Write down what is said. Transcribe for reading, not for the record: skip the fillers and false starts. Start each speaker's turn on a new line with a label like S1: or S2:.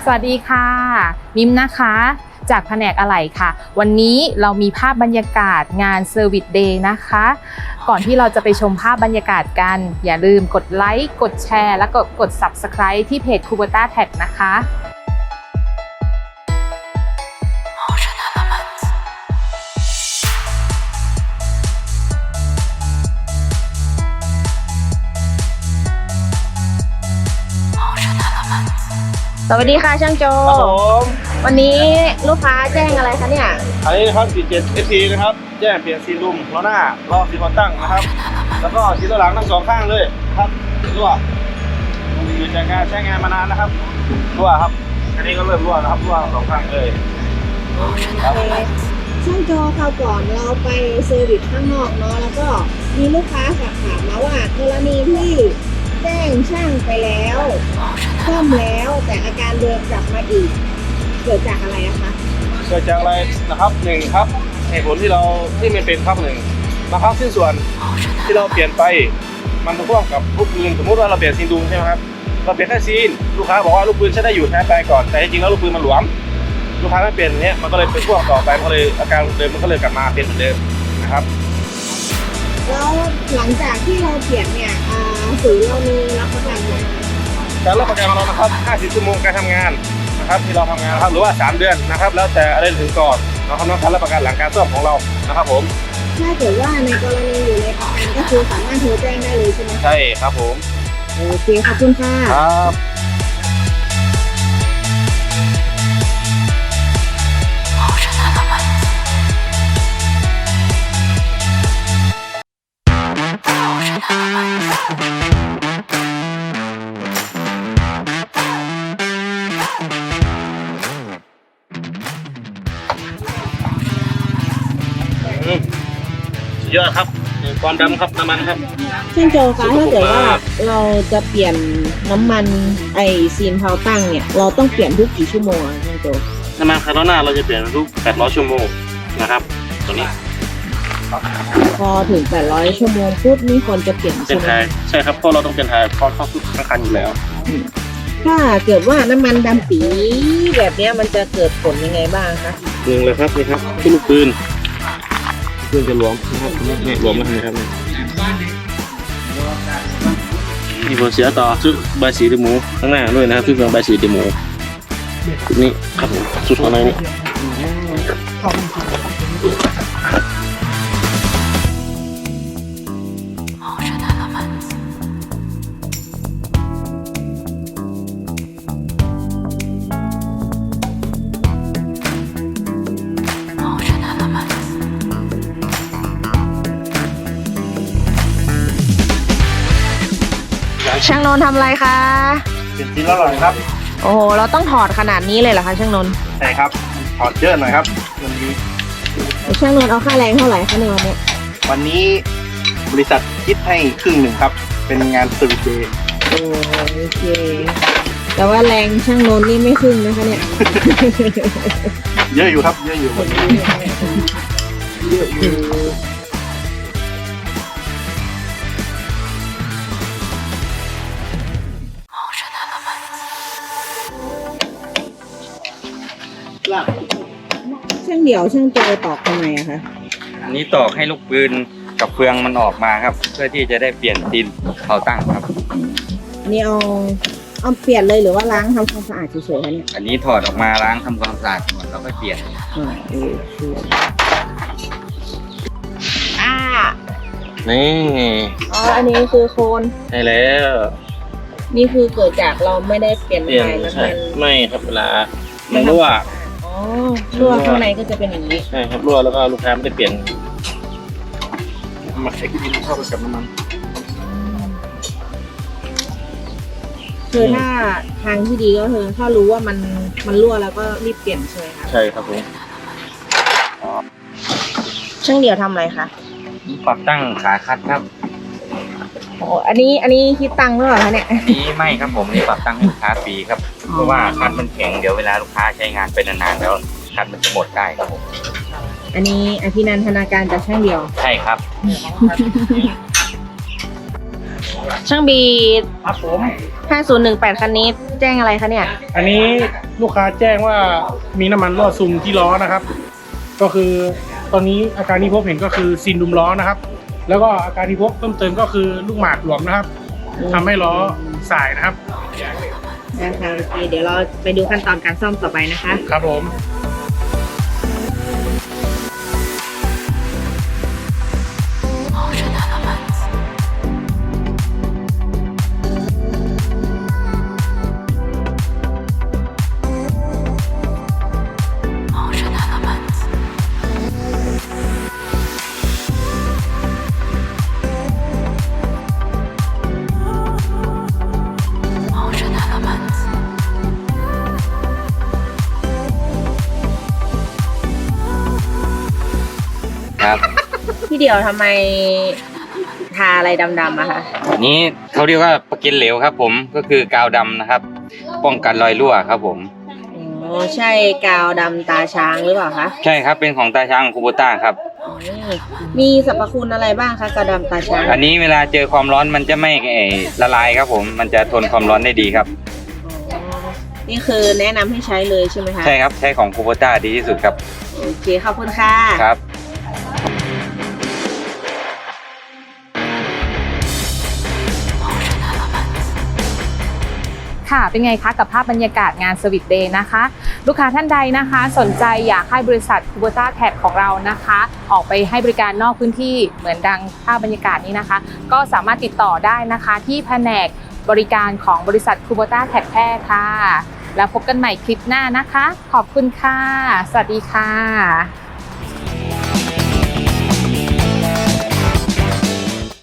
S1: วัสดีค่ะมิมนะคะจากแผนกอะไหล่ค่ะวันนี้เรามีภาพบรรยากาศงาน Service Day นะคะก่อนที่เราจะไปชมภาพบรรยากาศกันอย่าลืมกดไลค์กดแชร์และกด Subscribe ที่เพจ Kubota Tag นะคะ
S2: สวัสดีค่ะช่างโจ
S3: ครับผม
S2: วันนี้ลูกค้าแจ้งอะไรคะเนี่ย
S3: อันนี้นะครับ47 ST นะครับแจ้งเปลี่ยนซีลุมล้อหน้ารอบซีคอนตั้งนะครับแล้วก็ซีล้อหลังทั้งสองข้างเลยครับรั่วอยู่จากการใช้งานมานานนะครับรั่วครับอันนี้ก็เริ่มรั่วนะครับรั่วสองข้างเลยครับ
S2: ช่างโจคราวก่อนเราไปเซอร์วิสข้างนอกเนาะแล้วก็มีลูกค้าฝากถามมาว่ากรณีที่แจ้งช่างไปแล้วซ่อมแล้วแต่อาการเดิมกลับมาอีกเกิดจากอะไรอะคะ
S3: เกิดจากอะไรนะครับหนึ่งครับเหตุผลที่ไม่เป็นครับหนึ่งบางครั้งสิ้นส่วนที่เราเปลี่ยนไปมันพ่วงกับลูกปืนสมมติว่าเราเปลี่ยนซีนดุมใช่ไหมครับเราเปลี่ยนแค่ซีนลูกค้าบอกว่าลูกปืนใช้ได้อยู่ใช้ไปก่อนแต่จริงๆแล้วลูกปืนมันหลวมลูกค้าไม่เปลี่ยนเนี้ยมันก็เลยเป็นพ่วงต่อไปมันก็เลยอาการเดิมมันก็เลยกลับมาเป็นเหมือนเดิมนะครับ
S2: แล้วหลังจากที่เราเปลี่ยนเนี่ยศูนย์เรามีรับประกันไหม
S3: การรับประกันของเรานะครับ50 ชั่วโมงการทำงานนะครับที่เราทำงานนะครับหรือว่า3 เดือนนะครับแล้วแต่อะไรถึงก่อนนะครับนอกจากรับประกันหลังการซ่อมของเรานะครับผม
S2: ถ้าเกิดว่าในกรณีอยู่ในประกันก็คือสามารถโทรแจ้งได้เลยใช่ไหม
S3: ใช่ครับผม
S2: โอเคขอบคุณค่ะ
S3: ครับสุดยอดครับความดำครับน้ำมันครับ
S2: ช่างโจคะถ้าเกิดว่าเราจะเปลี่ยนน้ำมันไอซีนเพาตั้งเนี่ยเราต้องเปลี่ยนทุกกี่ชั่วโมงอะช่างโจ
S3: น้ำมันคาร์บอนหน้าเราจะเปลี่ยนทุก800 ชั่วโมงนะครับตัวนี้
S2: พอถึง800 ชั่วโมงปุ๊บนี่ควรจะเปลี่ยน
S3: เป็
S2: ใช่
S3: น
S2: ไหม
S3: ไทยใช่ครับเพราะเราต้องเป็นไทยเพราะเข้าทุกคันอยู่แล้ว
S2: ถ้าเกิดว่าน้ำมันดำปีแบบเนี้ยมันจะเกิดผลยังไงบ้างคะ
S3: หนึ่งเลยครับนี่ครับที่ลูกปืนจะหลวมนะครับนี่หลวมแล้วนะครับมีผลเสียต่อชุดใบสีเดหมูข้างหน้าด้วยนะครับชุดใบสีเดหมูชุดนี้ครับผมชุดข้างในนี่
S2: ช่างนนท์ทำอะไรคะ
S3: เป็นชิ้นละหน่อยครับ
S2: โอ้โหเราต้องถอดขนาดนี้เลยเหรอคะช่างนนท์
S3: ใช่ครับถอดเยอะหน่อยครับมันมี
S2: ช่างนนท์เอาค่าแรงเท่าไหร่คะในวันนี้
S4: วันนี้บริษัทคิดให้ครึ่งหนึ่งครับ เป็นงานเซอร์วิสเดย์
S2: โอเคแต่ว่าแรงช่างนนท์นี่ไม่ครึ่งนะคะเนี่ย
S4: เยอะอยู่ครับ เยอะอยู่
S2: ช่างเดี่ยวช่างโจตอกทำไมอะคะ
S5: อันนี้ตอกให้ลูกปืนกับเฟืองมันออกมาครับ เพื่อที่จะได้เปลี่ยนดินเขาตั้งครับ
S2: นี่เอาเปลี่ยนเลยหรือว่าล้างทำความสะอาดเฉยๆคะเนี่ย
S5: อันนี้ถอดออกมาล้างทำความสะอาดก่อนแล้วก็เปลี่ยน
S3: นี่
S2: อ๋ออันนี้คือโคน
S3: ใช่แล้ว
S2: นี่คือเกิดจากเราไม่ได้เปลี่ยน
S3: เปลี่ยน
S2: ถ่ายน้ำ
S3: ใช่
S2: มัน
S3: ไม่ครับเวลามันรั่ว
S2: อ๋อรั่วข้างในก็จะเป็นอย่างนี้
S3: ใช่ครับรั่วแล้วก็ลูกค้าไม่ได้เปลี่ยนมาเช็คดินเข้าไปกับน้ำมัน
S2: คือถ้าทางที่ดีก็คือถ้ารู้ว่ามันรั่วแล้วก็รีบเปลี่ยนใช่ไหมคะ
S3: ใช่ครับผม
S2: ช่างเดี่ยวทำอะไรคะ
S5: ปรับตั้งขาคัดครับ
S2: โอ้อันนี้คิดตังค์หรือเปล่าคะเนี่ย
S5: นี้ไม่ครับผมนี่ปรับตั้งให้ลูกค้าฟรีครับ เพราะว่าคันมันแข็งเดี๋ยวเวลาลูกค้าใช้งานไปนานๆแล้วคันมันจะหมดได้ครับผม
S2: อันนี้อภินันทนาการจากช่างเดี่ยว
S5: ใช่ครับ
S2: ช่างบี
S3: ครับผม
S2: 5018 คันนี้แจ้งอะไรคะเนี่ย
S6: อันนี้ลูกค้าแจ้งว่ามีน้ำมันรั่วซึมที่ล้อนะครับ ก็คือตอนนี้อาการที่พบเห็นก็คือซีนดุมล้อนะครับ แล้วก็อาการที่พบเพิ่มเติมก็คือลูกหมากหลวมนะครับทำให้ล้อสายนะครับ
S2: นะคะโอเคเดี๋ยวเราไปดูขั้นตอนการซ่อมต่อไปนะคะ
S6: ครับผม
S5: ครับ
S2: พี่เดียวทำไมทาอะไรดำๆอะคะ
S5: อันนี้เขาเรียกว่าประกินเหลวครับผมก็คือกาวดำนะครับ ป้องกันรอยรั่วครับผม
S2: อ๋อใช่กาวดำตาช้างหรือเปล่าคะ
S5: ใช่ครับเป็นของตาช้างคูโบต้าครับ
S2: มีสรรพคุณอะไรบ้างคะกาวดำตาช้าง
S5: อันนี้เวลาเจอความร้อนมันจะไม่ละลายครับผมมันจะทนความร้อนได้ดีครับ
S2: นี่คือแนะนำให้ใช้เลยใช่ไหมคะ
S5: ใช่ครับใช้ของคูโบต้าดีที่สุดครับ
S2: โอเคขอบคุณค่ะ
S5: ครับ
S1: ค่ะเป็นไงคะกับภาพบรรยากาศงาน Service Day นะคะ ลูกค้าท่านใดนะคะสนใจอยากให้บริษัท Kubota Tag ของเรานะคะ ออกไปให้บริการนอกพื้นที่เหมือนดังภาพบรรยากาศนี้นะคะ ก็สามารถติดต่อได้นะคะที่แผนกบริการของบริษัท Kubota Tag แพร่ค่ะ แล้วพบกันใหม่คลิปหน้านะคะ ขอบคุณค่ะ สวัสดีค่ะ